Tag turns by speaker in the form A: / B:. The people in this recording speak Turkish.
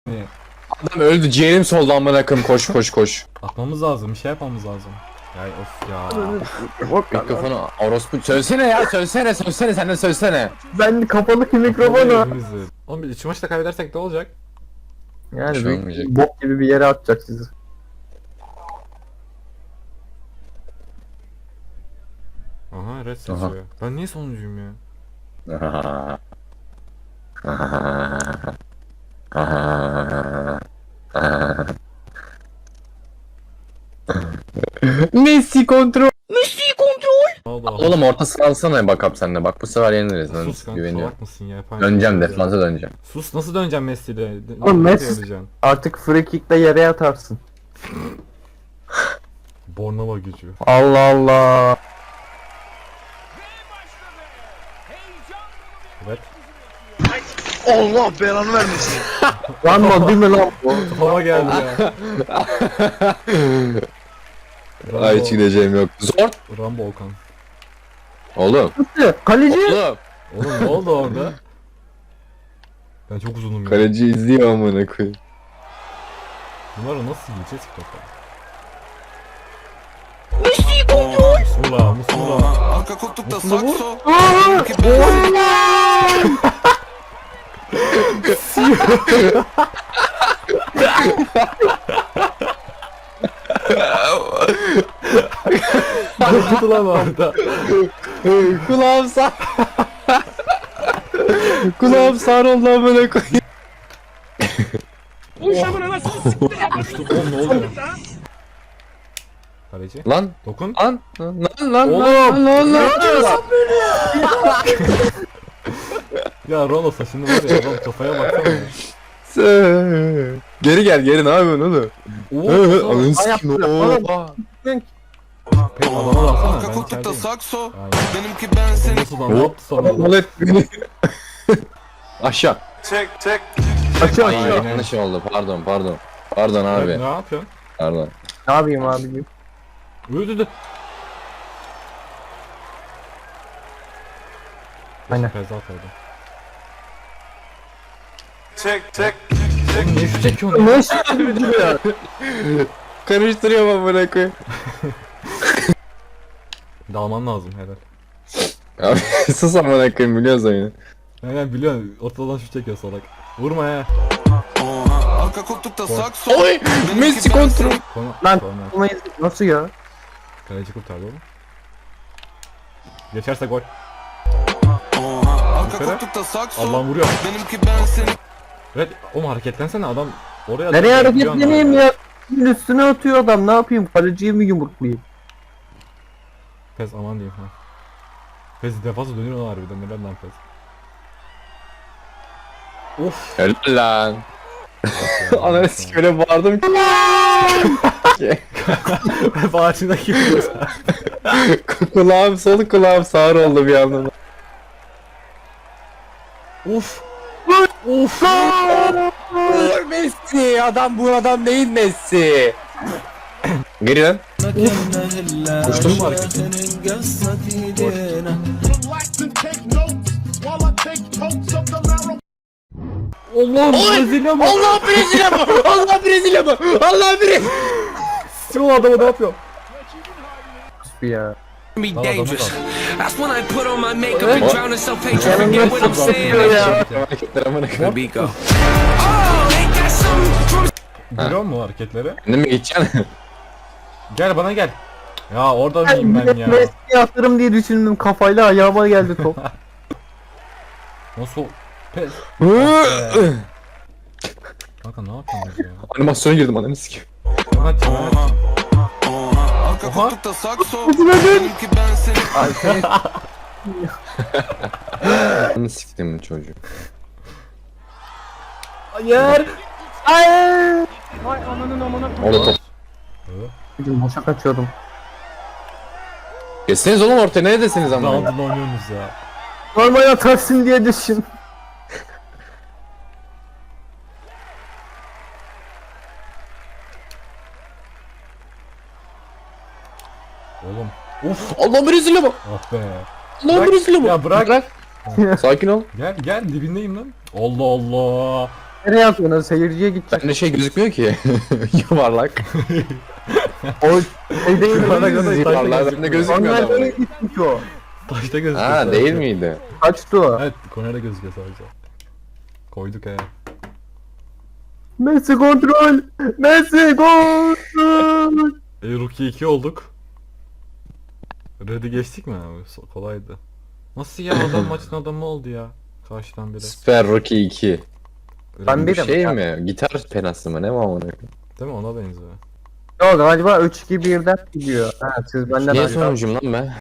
A: Adam öldü, ciğerim soldu amına koyayım, koş koş koş.
B: Atmamız lazım, bir şey yapmamız lazım. Ya of ya.
A: Mikrofonu orospu söylesene ya, söylesene sen de söylesene.
C: Ben kapalı ki mikrofonu.
B: Oğlum biz 3 maçta kaybedersek ne olacak?
C: Yani
A: Bir şey olmayacak.
C: bok gibi bir yere atacak sizi.
B: Aha red seçiyor. Ben niye sonuncuyum ya?
A: Messi kontrol.
B: Ne oldu?
A: Oğlum orta sıransana bakap sen de, bak bu sefer yeniliriz lan,
B: Sus kanka,
A: güveniyorum.
B: salak mısın ya?
A: Döneceğim, defansa döneceğim.
B: Sus, nasıl döneceğim Messi'yle?
C: Oğlum
B: Nasıl
C: Messi-
B: döneceksin?
C: Artık free kick'le yere yatarsın.
B: Bornova gücü.
C: Allah Allah.
B: Evet.
D: Allah belanı vermesin.
C: Lan mı değil mi lan bu?
B: Hava geldi ya.
A: Ay hiç gideceğim yok. Zor.
B: Rambo Okan.
A: Oğlum.
C: Kaleci.
A: Oğlum.
B: Oğlum ne oldu orada? Ben çok uzunum ya.
A: Kaleci izliyor amına koyayım.
B: Bunları nasıl yiyeceğiz ki topa? Messi kontrol! Musula, Musula.
D: Arka koltukta sakso.
B: Ne oldu lan orada?
A: Kulağım sağ. Kulağım sağ oldu amına koyayım.
B: Uçtum oğlum, ne oldu? Kaleci.
A: Lan.
B: Dokun.
A: Lan.
B: Oğlum.
A: Lan.
B: Ya Ronaldo saçını var ya, adam kafaya baksana ya.
A: Geri gel, ne yapıyorsun oğlum?
B: Oo,
A: Ananı
C: Ay,
A: sikeyim.
C: oğlum.
A: Oha.
B: pek adama baksana,
D: Arka
B: ben
D: koltukta
B: içerideyim.
D: sakso.
B: Aynen.
D: Benimki ben seni.
B: Nasıl lan, ne yaptı sana?
A: Molet beni. Aşağı.
C: Açı
A: Ay
C: açı.
A: yanlış oldu, pardon. Pardon abi.
B: Ne yapıyorsun?
A: Pardon.
C: Ne yapayım abicim?
B: Öldü.
C: Aynen.
B: Feza koydu. Oğlum niye şu çekiyorsun ya?
C: Nasıl ya?
A: Karıştırıyorum amına koyayım.
B: Dalman lazım helal.
A: Abi sus amına koyayım, biliyoruz oyunu.
B: Aynen biliyorsun, ortadan şu çekiyor salak. Vurma ya.
D: Arka koltukta sakso.
A: Oy! Messi kontrol.
C: Lan
B: Korner.
C: olmayız. Nasıl ya?
B: Kaleci kurtardı oğlum. Geçerse gol.
D: Arka koltukta sakso.
B: Allah'ım vuruyor.
D: Benimki ben seni.
B: Evet, oğlum hareketlensene adam. Oraya
C: Nereye
B: atıyor,
C: hareketleneyim
B: biliyorsun
C: ya? Üstüne atıyor adam, ne yapayım? Kaleciyi mi yumruklayayım?
B: Pes aman diyeyim ha. Pes defansa dönüyor lan harbiden, neden lan Pes? Of.
A: Helal lan. Ananı sikeyim, öyle bağırdım ki.
B: Bağışındaki gibi.
A: Kulağım sol, kulağım sağır oldu bir anda.
B: Of. Of.
A: Messi, bu adam değil Messi. Geri lan.
B: Koştun mu hareketi?
E: Relax and take notes while I take totes of the marijuana.
B: Allah'ım Brezilya mı?
A: Allah Brezilya mı? Allah Brezilya mı? Allah Brezilya.
B: Şu adamı ne yapıyor?
C: Bir ya.
F: Be
B: Tamam,
F: dangerous.
B: tamam.
F: That's when I put on my makeup and drown in self-hatred. Forget what I'm saying.
A: Hareketler amına koyayım.
F: We go. Oh, ain't that something from
B: Görüyor musun hareketleri?
A: Kendin mi geçeceksin?
B: Gel bana gel. Ya orada mıyım ben ya?
C: Messi'yi atarım diye düşündüm, kafayla ayağıma geldi top.
B: Nasıl? Pes. Kanka ne yapıyorsunuz ya?
A: Animasyona girdim, ananı sikeyim.
B: Hemen çevirmek.
D: Arka
B: Oha.
D: koltukta sakso. Benimki ben seni.
C: Ay seni
A: Ananı siktim bu çocuğu.
C: hayır. Hayır. Vay ananın amına.
A: Orada top.
C: Bugün boşa kaçıyordum.
A: Geçseniz oğlum ortaya, neredesiniz ama?
B: Dağıtın oynuyorsunuz ya.
C: Normal atarsın diye düşün.
B: Oğlum. Of.
A: Allah Brezilya mı?
B: Ah be.
A: Allah
B: Bırak.
A: Brezilya mı?
B: Ya bırak.
A: Sakin ol.
B: Gel dibindeyim lan. Allah Allah.
C: nereye atıyorsun? Seyirciye gidecek.
A: Bende şey gözükmüyor ki. Yuvarlak.
C: O şey değil mi?
B: Bana göre
A: Yuvarlak bende gözükmüyor
C: Onlar nereye
A: adam.
C: gitmiş o?
B: Taşta gözüküyor.
A: Ha
B: sadece.
A: değil miydi?
C: Kaçtı o?
B: Evet kornerde gözüküyor sadece. Koyduk he.
C: Messi kontrol! Messi kontrol!
B: Rookie 2 olduk. Red'i geçtik mi abi? Kolaydı. Nasıl ya adam maçın adamı oldu ya. Karşıdan biri.
A: Super Rocky 2.
C: Ben
A: Bu
C: bir de
A: şey mi? Gitar penası mı? Ne var onun?
B: Değil mi ona benziyor.
C: Yok galiba 3-2-1'den gidiyor. Ha siz benden
A: Niye
C: acaba-
A: sonuncuyum lan ben?